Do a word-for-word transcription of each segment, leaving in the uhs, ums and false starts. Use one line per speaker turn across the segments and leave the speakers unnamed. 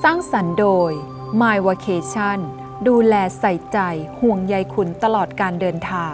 ร้างสรรค์โดย My Vacation ดูแลใส่ใจห่วงใยคุณตลอดการเดินทาง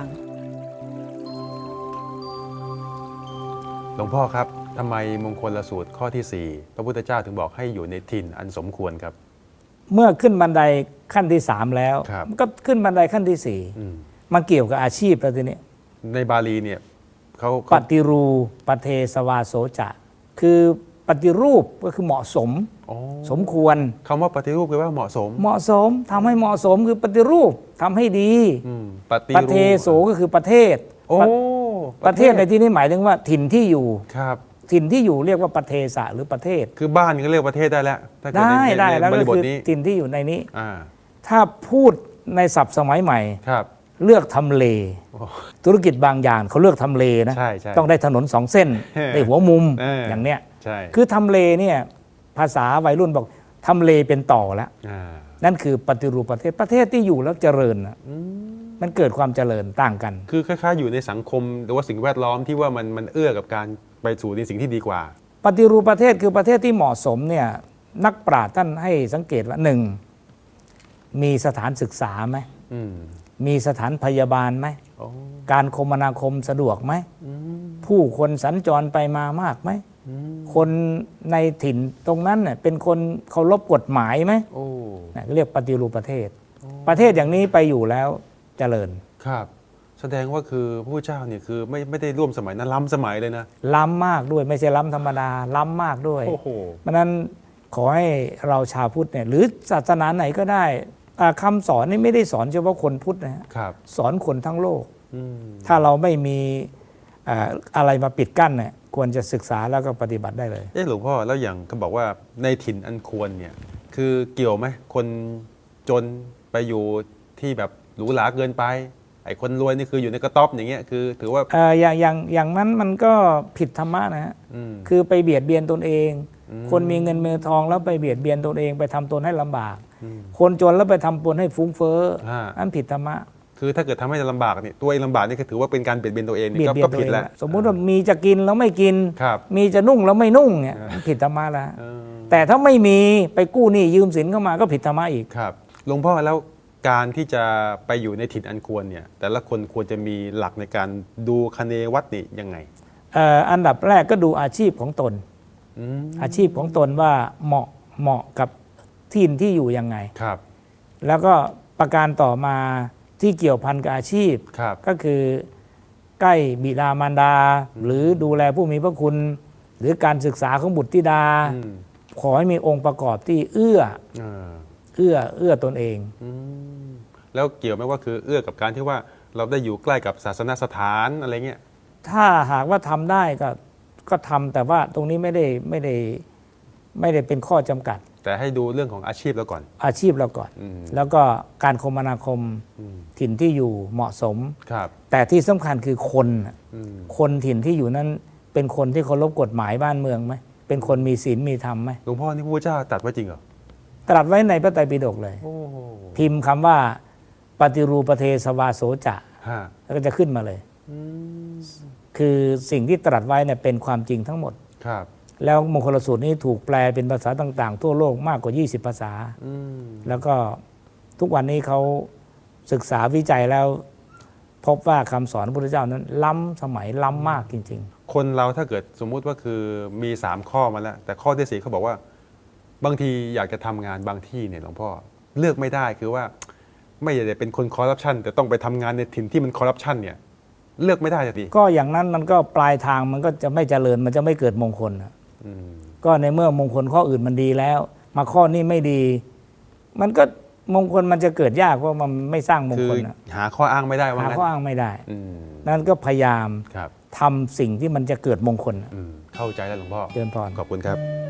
หลวงพ่อครับทำไมมงคลสูตรข้อที่สี่พระพุทธเจ้าถึงบอกให้อยู่ในถิ่นอันสมควรครับ
เมื่อขึ้นบันไดขั้นที่สามแล้ว
ครับ
มันก็ขึ้นบันไดขั้นที่สี่
อืม
มันเกี่ยวกับอาชีพแล้วทีนี้
ในบาลีเนี่ยเขา
ป
เขา
ฏิรูปเทสวาโสจะคือปฏิรูปก็คือเหมาะสม
อ๋อ
สมควร
คำว่าปฏิรูปแปลว่าเหมาะสม
เหมาะสมทำให้เหมาะสมคือปฏิรูปทำให้ดี
อืมปฏิ
ป
รูป
เทโสก็คือประเทศ
โอ้
ประประเทศในที่นี้หมายถึงว่าถิ่นที่อยู่
ครับ
ถิ่นที่อยู่เรียกว่าประเทศะหรือประเทศ
คือบ้านก็เรียกประเทศได้แล้วถ้าเกิด
ได้
ใน
ได้
ใน
แล้ว
บ
ก็
ริบท
คือ
นี้
ถิ่นที่อยู่ในนี้
อ่า
ถ้าพูดในศัพท์สมัยใหม่
ครับ
เลือกทำเล
โอ้
ธุรกิจบางอย่างเขาเลือกทำเลนะ
ใช่ใช่
ต้องได้ถนนสองเส้น
เออ
ได้หัวมุม
เอออ
อย่างเนี้ย
ใช่
คือทำเลเนี่ยภาษาวัยรุ่นบอกทำเลเป็นต่อแล้ว
อ่า
นั่นคือปฏิรูปประเทศประเทศที่อยู่แล้วเจริญน่ะมันเกิดความเจริญต่างกัน
คือคล้ายๆอยู่ในสังคมหรือว่าสิ่งแวดล้อมที่ว่ามันมันเอื้อกับการไปสู่ในสิ่งที่ดีกว่า
ปฏิรูปประเทศคือประเทศที่เหมาะสมเนี่ยนักปราชญ์ท่านให้สังเกตว่าหนึ่งมีสถานศึกษาไหม
อืม
มีสถานพยาบาลไหม
โอ้
การคมนาคมสะดวกไหม
อืม
ผู้คนสัญจรไปมามากไหม
อืม
คนในถิ่นตรงนั้นเน่ยเป็นคนเคารพกฎหมายไหม
โอ้
นะเรียกปฏิรูปประเทศ ประเทศอย่างนี้ไปอยู่แล้วเจริญ
ครับ แสดงว่าคือพระพุทธเจ้าเนี่ยคือไม่ไม่ได้ร่วมสมัยนะล้ำสมัยเลยนะ
ล้ำมากด้วยไม่ใช่ล้ำธรรมดา ล้ำมากด้วย
โอ้โห
เพราะฉะนั้นขอให้เราชาวพุทธเนี่ยหรือศาสนาไหนก็ได้อ่าคำสอนนี่ไม่ได้สอนเฉพาะคนพุทธนะฮะ
ครับ
สอนคนทั้งโลก
อืม
ถ้าเราไม่มีอ่าอะไรมาปิดกั้นเนี่ยควรจะศึกษาแล้วก็ปฏิบัติได้เลย
เอ๊ะหลวงพ่อแล้วอย่างเขาบอกว่าในถิ่นอันควรเนี่ยคือเกี่ยวไหมคนจนไปอยู่ที่แบบหรูหราเกินไปไอ้คนรวยนี่คืออยู่ในกระต๊อบอย่างเงี้ยคือถือว่า
เอ่ออย่างอย่างอย่างนั้นมันก็ผิดธรรมะนะฮะ
อืม
คือไปเบียดเบียนตนเอง
อืม
คนมีเงินมีทองแล้วไปเบียดเบียนตนเองไปทำตนให้ลำบาก
อืม
คนจนแล้วไปทำตนให้ฟุ้งเฟ้อ
ฮะ
นั่นผิดธรรมะ
คือถ้าเกิดทำให้ลำบากเนี่ยตัวเองลำบากนี่ก็ถือว่าเป็นการเบียดเบียนตัวเอง
เบี
นี่
ยด
ก็
เบีย
ก็
นตัว
ผิด
เอง
แล้ว
สมมุติว่ามีจะกินแล้วไม่กิน
ครับ
มีจะนุ่งแล้วไม่นุ่งเนี่ยผิดธรรมะแล้ว
เออ
แต่ถ้าไม่มีไปกู้หนี้ยืมสินเข้ามาก็ผิดธรรมะอีก
ครับหลวงพ่อแล้วการที่จะไปอยู่ในถิ่นอันควรเนี่ยแต่ละคนควรจะมีหลักในการดูคะเนวัดนี่ยังไง
เอ่ออันดับแรกก็ดูอาชีพของตน
อืม
อาชีพของตนว่าเหมาะเหมาะกับถิ่นที่อยู่ยังไง
ครับ
แล้วก็ประการต่อมาที่เกี่ยวพันกับอาชีพ
ครับ
ก็คือใกล้บิดามารดา หรือดูแลผู้มีพระคุณ หรือการศึกษาของบุตรธิดา
อืม
ขอให้มีองค์ประกอบที่เอื้อ
เออ
เอื้อเอื้อตนเอง
อืมแล้วเกี่ยวไหมว่าคือเอื้อกับการที่ว่าเราได้อยู่ใกล้กับศาสนสถานอะไรเงี้ย
ถ้าหากว่าทำได้ก็ก็ทำแต่ว่าตรงนี้ไม่ได้ไม่ได้ไม่ได้เป็นข้อจำกัด
แต่ให้ดูเรื่องของอาชีพแล้วก่อน
อาชีพเราก่อน
อืม
แล้วก็การคมนาคม
อืม
ถิ่นที่อยู่เหมาะสม
ครับ
แต่ที่สำคัญคือคนน่ะ
อืม
คนถิ่นที่อยู่นั้นเป็นคนที่เคารพกฎหมายบ้านเมืองไหมเป็นคนมีศีลมีธรรมไหม
หลวงพ่อนี่พระพุทธเจ้าตรัดไว้จริงเหรอ
ตรัสไว้ในพระไตรปิฎกเลย
โอ้โห
พิมพ์คำว่าปฏิรูปประเทศวาโสจะ
ฮะ
แล้วก็จะขึ้นมาเลย
อืม
คือสิ่งที่ตรัสไว้เนี่ยเป็นความจริงทั้งหมด
ครับ
แล้วมงคลสูตรนี้ถูกแปลเป็นภาษาต่างๆ ทั่วโลกมากกว่า ยี่สิบ ภาษา
อืม
แล้วก็ทุกวันนี้เขาศึกษาวิจัยแล้ว พบว่าคำสอนพระพุทธเจ้านั้น ล้ำสมัยล้ำมากจริง
คนเราถ้าเกิดสมมุติว่าคือมีสามข้อมาแล้ว แต่ข้อที่สี่เขาบอกว่า บางทีอยากจะทำงานบางที่เนี่ยหลวงพ่อเลือกไม่ได้คือว่า ไม่ได้เป็นคนคอร์รัปชันแต่ต้องไปทำงานในถิ่นที่มันคอร์รัปชันเนี่ย เลือกไม่ได้จะดี
ๆ ก็อย่างนั้นมันก็ปลายทางมันก็จะไม่เจริญมันจะไม่เกิดมงคลนะ
อืม
ก็ในเมื่อมงคลข้ออื่นมันดีแล้ว มาข้อนี้ไม่ดี มันก็มงคลมันจะเกิดยากเพราะมันไม่สร้างมง
คือ
คลนะ
หาข้ออ้างไม่ได้ว่า
หา
งั้น
ข้ออ้างไม่ได้
อืม
นั้นก็พยายาม
ครับ
ทำสิ่งที่มันจะเกิดมงคลนะ
อืมเข้าใจแล้วหลวงพ่อ
เจริญพร
ขอบคุณครับ